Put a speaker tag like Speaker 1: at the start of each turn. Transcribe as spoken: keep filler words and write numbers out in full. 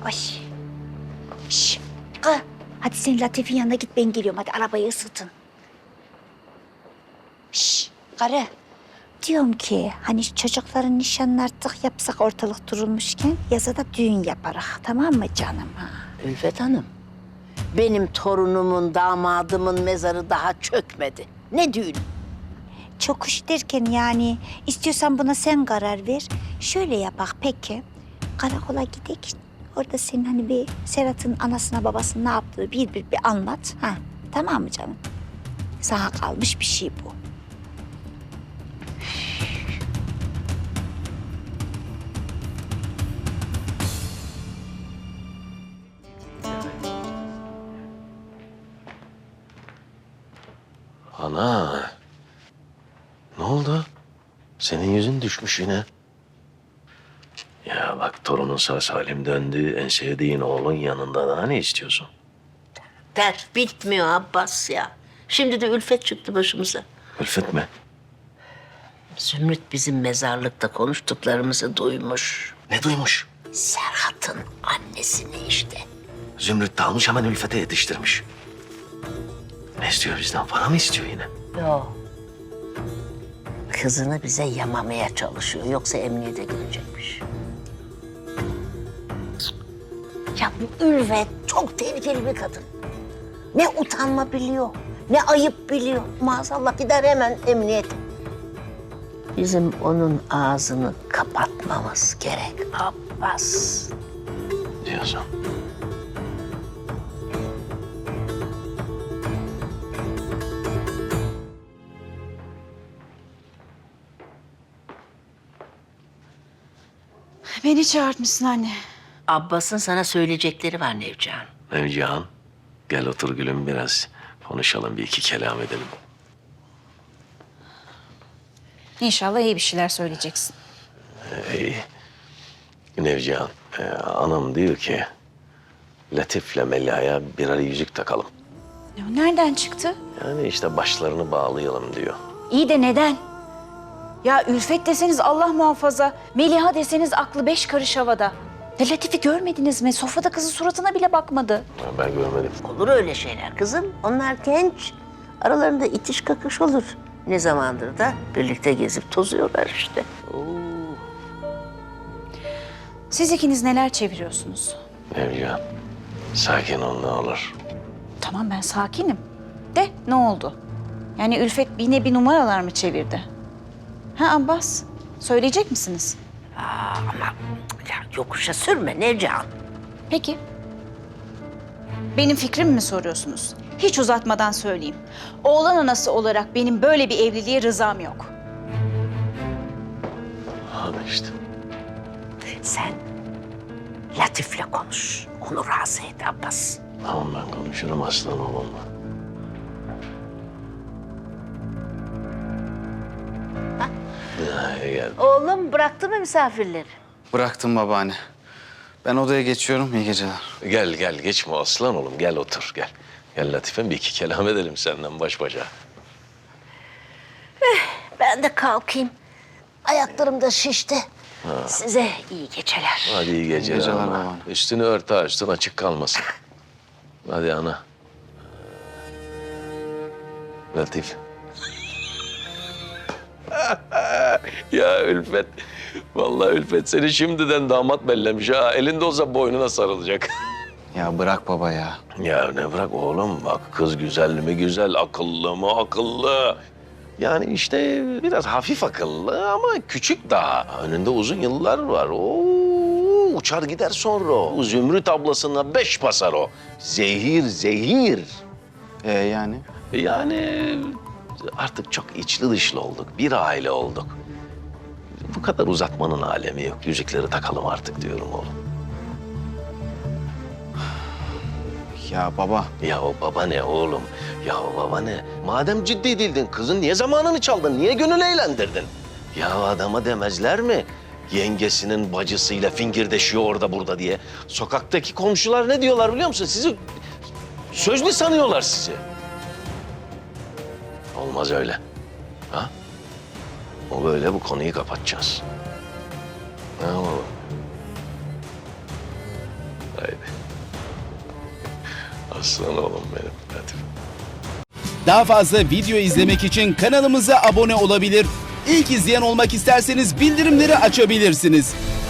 Speaker 1: Ay. Şş. Kız. Hadi sen Latif'in yanına git, ben geliyorum. Hadi arabayı ısıtın. Şş. Karı. Diyorum ki hani çocukların nişanını artık yapsak ortalık durulmuşken yaza da düğün yaparak, tamam mı canım? Ha?
Speaker 2: Ülfet Hanım, benim torunumun, damadımın mezarı daha çökmedi. Ne düğün?
Speaker 1: Çok hoş derken yani istiyorsan buna sen karar ver. Şöyle yapak peki. Karakola gidek. Orada senin hani bir Serhat'ın anasına babasına ne yaptığı bir bir bir anlat. Ha, tamam mı canım? Sana kalmış bir şey bu.
Speaker 3: Ana. Ne oldu? Senin yüzün düşmüş yine. Ya bak torunun sağ salim döndü. En sevdiğin oğlun yanında daha ne istiyorsun?
Speaker 2: Dert bitmiyor Abbas ya. Şimdi de Ülfet çıktı başımıza.
Speaker 3: Ülfet mi?
Speaker 2: Zümrüt bizim mezarlıkta konuştuklarımızı duymuş.
Speaker 3: Ne duymuş?
Speaker 2: Serhat'ın annesini işte.
Speaker 3: Zümrüt de almış hemen Ülfet'e yetiştirmiş. Ne istiyor bizden? Para mı istiyor yine?
Speaker 2: Yok. Kızını bize yamamaya çalışıyor. Yoksa emniyete gidecekmiş. Ya bu Ülfet çok tehlikeli bir kadın. Ne utanma biliyor, ne ayıp biliyor. Maazallah gider hemen emniyete. Bizim onun ağzını kapatmamız gerek Abbas.
Speaker 3: Diyorsun.
Speaker 4: Beni çağırtmışsın anne.
Speaker 2: Abbas'ın sana söyleyecekleri var Nevcihan.
Speaker 3: Nevcihan, gel otur gülüm biraz. Konuşalım, bir iki kelam edelim.
Speaker 4: İnşallah iyi bir şeyler söyleyeceksin.
Speaker 3: Ey, Nevcihan, e, anam diyor ki... Latif'le Melia'ya birer yüzük takalım.
Speaker 4: Ya nereden çıktı?
Speaker 3: Yani işte başlarını bağlayalım diyor.
Speaker 4: İyi de neden? Ya Ülfet deseniz Allah muhafaza, Meliha deseniz aklı beş karış havada. Ya Latif'i görmediniz mi? Sofrada kızın suratına bile bakmadı.
Speaker 3: Ya ben görmedim.
Speaker 2: Olur öyle şeyler kızım. Onlar genç. Aralarında itiş kakış olur. Ne zamandır da birlikte gezip tozuyorlar işte.
Speaker 4: Siz ikiniz neler çeviriyorsunuz?
Speaker 3: Nevcihan, sakin ol ne olur.
Speaker 4: Tamam ben sakinim. De ne oldu? Yani Ülfet yine bir numaralar mı çevirdi? Ha Abbas, söyleyecek misiniz?
Speaker 2: Ama ya yokuşa sürme Nevcihan.
Speaker 4: Peki. Benim fikrimi mi soruyorsunuz? Hiç uzatmadan söyleyeyim. Oğlan anası olarak benim böyle bir evliliğe rızam yok.
Speaker 3: Hadi işte.
Speaker 2: Sen Latif'le konuş. Onu razı et Abbas.
Speaker 3: Tamam ben konuşurum aslan oğlumla.
Speaker 2: Ha?
Speaker 3: Ya, gel.
Speaker 2: Oğlum bıraktı mı misafirleri?
Speaker 5: Bıraktım babaanne. Ben odaya geçiyorum. İyi geceler.
Speaker 3: Gel gel geçme aslan oğlum gel otur gel. Gel Latife'm bir iki kelam edelim senden baş başa.
Speaker 2: Ben de kalkayım. Ayaklarım da şişti. Size iyi geceler.
Speaker 3: Hadi iyi geceler,
Speaker 5: geceler
Speaker 3: ana.
Speaker 5: babaanne.
Speaker 3: Üstünü ört ha üstün açık kalmasın. Hadi ana. Latif. Ya Ülfet. Vallahi Ülfet seni şimdiden damat bellemiş ha. Elinde olsa boynuna sarılacak.
Speaker 5: Ya bırak baba ya.
Speaker 3: Ya ne bırak oğlum bak kız güzel mi güzel, akıllı mı akıllı. Yani işte biraz hafif akıllı ama küçük daha. Önünde uzun yıllar var. Oo, uçar gider sonra o. Zümrüt ablasına beş basar o. Zehir zehir.
Speaker 5: Ee yani?
Speaker 3: Yani artık çok içli dışlı olduk. Bir aile olduk. Bu kadar uzatmanın alemi yok. Yüzükleri takalım artık diyorum oğlum.
Speaker 5: Ya baba.
Speaker 3: Ya o baba ne oğlum? Ya o baba ne? Madem ciddi değildin kızın niye zamanını çaldın? Niye gönül eğlendirdin? Ya adama demezler mi? Yengesinin bacısıyla fingirdeşiyor orada burada diye. Sokaktaki komşular ne diyorlar biliyor musun? Sizi sözlü sanıyorlar sizi. Olmaz öyle. Ha? O böyle bu konuyu kapatacağız. Ne oğlum? Aslan oğlum benim. Hadi.
Speaker 6: Daha fazla video izlemek için kanalımıza abone olabilir. İlk izleyen olmak isterseniz bildirimleri açabilirsiniz.